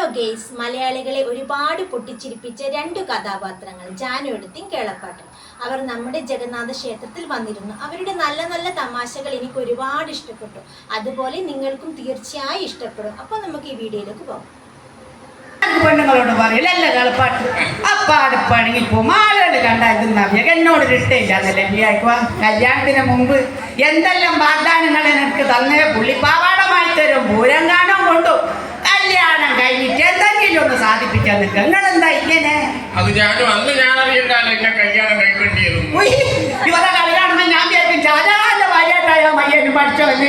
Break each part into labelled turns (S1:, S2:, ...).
S1: Guys, മലയാളികളെ ഒരുപാട് പൊട്ടിച്ചിരിപ്പിച്ച രണ്ട് കഥാപാത്രങ്ങൾ ജാനു എടുത്തിയും കേളപ്പാട്ടും. അവർ നമ്മുടെ ജഗന്നാഥ ക്ഷേത്രത്തിൽ വന്നിരുന്നു. അവരുടെ നല്ല നല്ല തമാശകൾ എനിക്ക് ഒരുപാട് ഇഷ്ടപ്പെട്ടു. അതുപോലെ നിങ്ങൾക്കും തീർച്ചയായും ഇഷ്ടപ്പെടും. അപ്പോൾ നമുക്ക് ഈ വീഡിയോയിലേക്ക് പോകാം.
S2: പെണ്ണുങ്ങളോട് പറയില്ല അല്ല കളപ്പാട്ട് അപ്പാട് പണിങ്ങിപ്പോവും. ആളുകൾ കണ്ടായിരുന്നു നവ്യ എന്നോട് ഇഷ്ടമില്ലാന്നല്ലേ വിയാക്കുക. കല്യാണത്തിന് മുമ്പ് എന്തെല്ലാം വാഗ്ദാനങ്ങൾ എനിക്ക് തന്നെ പുള്ളി പാവാടമായി തരും, പൂരം കാണാൻ കൊണ്ടു. കല്യാണം കഴിഞ്ഞിട്ട് എന്തെങ്കിലും ഒന്ന് സാധിപ്പിക്കാൻ നിൽക്കുക. നിങ്ങളെന്താ ഇങ്ങനെ?
S3: അത് ഞാനും അന്ന് ഞാൻ അറിയണ്ടാലോ എന്നെ കല്യാണം കഴിക്കേണ്ടിയിരുന്നു.
S2: ഇവരെ കല്യാണം ഞാൻ വിചാരിക്കും ഷാജഹാന്റെ ഭാര്യയായിട്ടായോ മയ്യനും പഠിച്ചോന്ന്.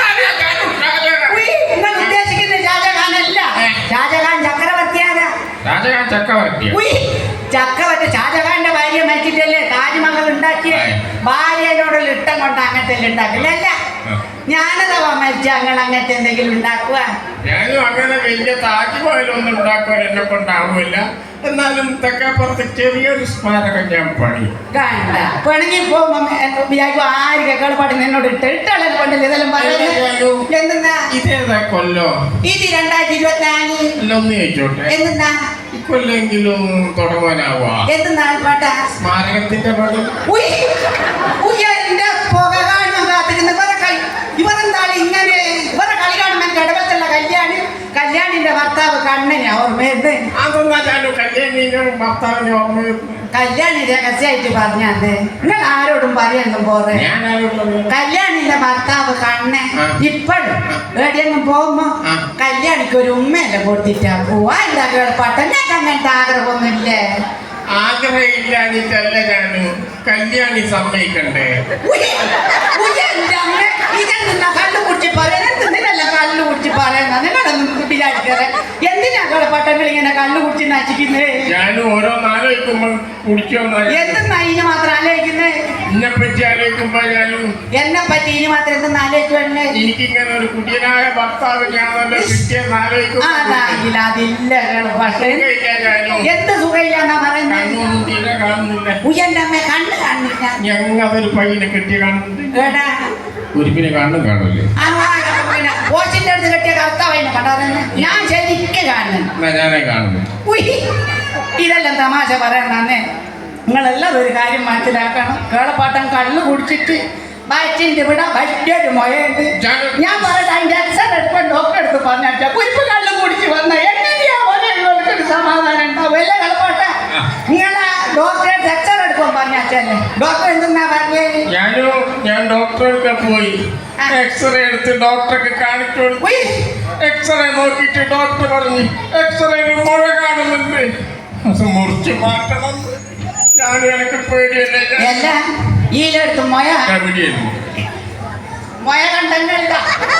S2: നിങ്ങൾ ഉദ്ദേശിക്കുന്ന ഷാജഹാനല്ല, ഷാജഹാൻ ചക്രവർത്തിയാരാ?
S3: ഷാജഹാൻ ചക്രവർത്തി.
S2: ചക്രവർത്തി ഷാജഹാന്റെ ഭാര്യ മരിച്ചിട്ടല്ലേ താജ്മഹൽ ഉണ്ടാക്കിയ? ഭാര്യനോടുള്ള ഇഷ്ടം കൊണ്ട് അങ്ങനത്തെ ഉണ്ടാക്കില്ലല്ല. ഞാനതവാ മരിച്ച അങ്ങനെ അങ്ങനത്തെ എന്തെങ്കിലും ഉണ്ടാക്കുക?
S3: ഞാനും അങ്ങനെ വലിയ താജ്മഹലൊന്നും ഉണ്ടാക്കുവാൻ എന്നെ കൊണ്ടാവില്ല. എന്നാലും തെക്കാപ്പുറത്ത് ചെറിയൊരു സ്മാരകം ഞാൻ പണി
S2: കണ്ട പിണങ്ങി പോകുമ്പോ ആര് കേൾപ്പാട് നിന്നോട് ഇട്ടുള്ള കൊണ്ടല്ലേ ഇതെല്ലാം പറയുന്നത്. എന്തെന്നാ
S3: ഇതേതാ കൊല്ലോ?
S2: ഇത് 2024.
S3: ഒന്ന് ചോദിച്ചോട്ടെ,
S2: എന്തെന്നാ
S3: ഇക്കൊല്ലെങ്കിലും തുടങ്ങാനാവാ?
S2: എന്തെന്നാ പാട്ടാ?
S3: സ്മാരകത്തിന്റെ പണി.
S2: പുക കാണുമ്പോൾ കാത്തിരുന്ന് ഇവരെന്താണ് ഇങ്ങനെ? ഇവരെ കളി കാണുമ്പോൾ ഇടപെട്ടുള്ള കല്യാണിന്റെ ഭർത്താവ് കണ്ണനാ ഓർമ്മയുണ്ട്.
S3: അതൊന്നും കല്യാണിന്റെ ഭർത്താവിന് ഓർമ്മ.
S2: കല്യാണി രഹസ്യമായിട്ട് പറഞ്ഞാണ്ട് നിങ്ങൾ ആരോടും പറയാനും പോറെ. കല്യാണിന്റെ ഭർത്താവ് കണ്ണൻ ഇപ്പോഴും എവിടെയെങ്കിലും പോകുമ്പോ കല്യാണിക്ക് ഒരു ഉമ്മയല്ലേ കൊടുത്തിട്ടാ പോവാ. എന്താ കേൾപ്പാട്ടെ അങ്ങനത്തെ ആഗ്രഹമൊന്നുമില്ലേ?
S3: ആഗ്രഹമില്ലാഞ്ഞിട്ടല്ല ഞാനും കല്യാണി സമ്മതിക്കണ്ടേ?
S2: കള്ളു കുടിച്ച് പറയുന്നല്ല, കള്ളു കുടിച്ച് പറയുന്ന നിങ്ങളൊന്നും വിചാരിക്കാറ്. എന്തിനാ കളപ്പാട്ടങ്ങൾ ഇങ്ങനെ കള്ളു കുടിച്ച് നശിക്കുന്നത്?
S3: ഞാനും ഓരോന്നാലോചിക്കുമ്പോ കുടിക്കുമെന്ന്.
S2: എന്തെന്നാ ഇനി മാത്രം ആലോചിക്കുന്നത്?
S3: എന്നെ പറ്റി ആലോചിക്കുമ്പോ ഞാനും
S2: എന്നെ പറ്റി ഇനി മാത്രം എന്തെന്ന് ആലോചിക്കുവല്ലേ?
S3: എനിക്കിങ്ങനെ ഒരു കുടിയനായ ഭർത്താവ് ഞാനല്ലോ കിട്ടിയെന്ന് ആലോചിക്കും.
S2: അതാണെങ്കിൽ അതില്ല പക്ഷേ എന്ത് സുഖമില്ലാന്നാ പറയുന്നത്? ഉയന്റെ അമ്മ കണ്ണ് കാണില്ല.
S3: ഞങ്ങതൊരു പയ്യനെ കെട്ടിയ കാണുന്നുണ്ട്.
S2: എടാ
S3: ഒരുപ്പിനെ കാണും കാണൂല്ലേ?
S2: കോച്ചിന്റെ അടുത്ത് കെട്ടിയ കർത്താവിനെ കണ്ടാറെന്ന് ഞാൻ ശരിക്ക് കാണുന്നു.
S3: ഞാനേ കാണുന്നു.
S2: ഇതെല്ലാം തമാശ പറയണേ. നിങ്ങളെല്ലാം ഒരു കാര്യം മനസ്സിലാക്കണം. കേളപ്പാട്ടം കള്ളു കുടിച്ചിട്ട് വയറ്റിന്റെ ഇവിടെ വലിയൊരു മുഴയുണ്ട്. ഞാൻ പറയട്ടെ, അതിന്റെ എക്സർ എടുക്കാൻ ഡോക്ടറെ അടുത്ത് പറഞ്ഞാൽ കുരിപ്പ് കള്ളു കുടിച്ച് വന്ന എങ്ങനെയാ ഒരു സമാധാനം ഉണ്ടാവും? അല്ലേ കളപ്പാട്ട? നിങ്ങളെ ഡോക്ടറെ എക്സർ എടുക്കാൻ പറഞ്ഞാച്ചല്ലേ ഡോക്ടർ എന്തെന്നാ പറഞ്ഞത്?
S3: ഞാൻ ഡോക്ടറെ പോയി എക്സ്റേ എടുത്ത് ഡോക്ടർക്ക് കാണിച്ചു. എക്സ്റേ നോക്കിയിട്ട് ഡോക്ടർ പറഞ്ഞു എക്സ്റേയിൽ മുഴ കാണുന്നുണ്ട്, അത് മുറിച്ച് മാറ്റണം. ഞാനും എനിക്ക് പേടിയല്ലേ.
S2: എല്ലാം ഈലെടുത്ത് മുഴ കണ്ടല്ല,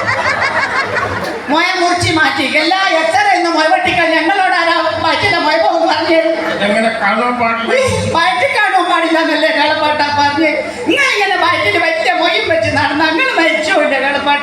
S2: മുഴ മുറിച്ച് മാറ്റി എല്ലാ എക്സ്റേ മുഴ വെട്ടിക്കാൻ ഞങ്ങളോട് ആരാ പറ്റില്ല മുഴ പോകുന്നു പറഞ്ഞു.
S3: എങ്ങനെ കാണാൻ പാടില്ല?
S2: വയറ്റിൽ കാണാൻ പാടില്ലെന്നല്ലേ കളപ്പാട്ട പറഞ്ഞ്? നിങ്ങൾ ഇങ്ങനെ വയറ്റിൽ വലിയ മൊയ്യും വെച്ച് നടന്ന നിങ്ങൾ മരിച്ചു ഇല്ലേ കളപ്പാട്ട?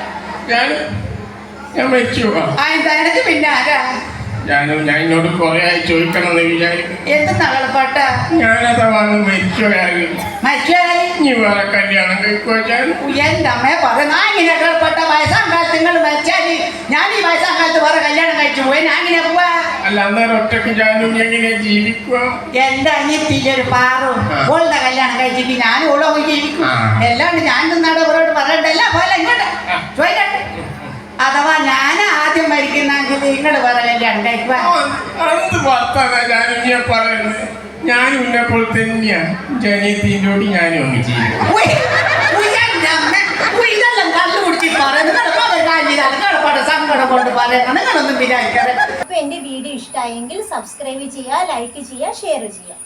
S3: ഞാൻ മരിച്ചു.
S2: എനിക്ക് പിന്നെ ആരാ?
S3: ഞാൻ എന്നോട് കുറെ ആയി ചോദിക്കണമെന്ന് വിചാരിക്കും.
S2: എന്തെന്നാ കളപ്പാട്ട?
S3: ഞാനതാ മരിച്ചോയാൽ നീ വേറെ കല്യാണം കഴിക്കുവാ?
S2: എന്റെ അമ്മയെ പറഞ്ഞാ ഇങ്ങനെ കളപ്പാട്ട വയസ്സാം കാലത്ത് നിങ്ങൾ മരിച്ചാല് ഞാൻ ഈ വയസ്സാം കാലത്ത് വേറെ കല്യാണം കഴിച്ചു പോയി ഞാൻ ഇങ്ങനെ പോവാ?
S3: അല്ല, അന്നേരം ഒറ്റക്ക് ഞാനും എങ്ങനെ ജീവിക്കുക?
S2: എന്റെ അനിയത്തിയൊരു പാറും ഓളുടെ കല്യാണം കഴിച്ചിട്ട് ഞാനും ഓളോ ജീവിക്കും. എല്ലാണ്ട് ഞാൻ നിന്നാട് അവരോട് പറയണ്ടല്ല പോലെ ഇങ്ങോട്ട് ചോദിക്കട്ടെ. അഥവാ ഞാൻ ആദ്യം മരിക്കുന്നെങ്കിൽ നിങ്ങൾ വേറെ കല്യാണം കഴിക്കുക?
S3: എന്ത് വർത്താനാ ഞാനും പറയുന്നത്? ഞാനും ഇന്നെപ്പോൾ തന്നെയാ ജനീത്തിനോട് ഞാനും ഒന്ന് ചെയ്യും.
S2: ഇതെല്ലാം കള്ളു കുടിച്ച് പറയുന്നത് സങ്കടം കൊണ്ട് പറയുന്നത് നിങ്ങളൊന്നും വിചാരിക്കാറ്.
S1: അപ്പോൾ എൻ്റെ വീഡിയോ ഇഷ്ടമായെങ്കിൽ സബ്സ്ക്രൈബ് ചെയ്യുക, ലൈക്ക് ചെയ്യുക, ഷെയർ ചെയ്യുക.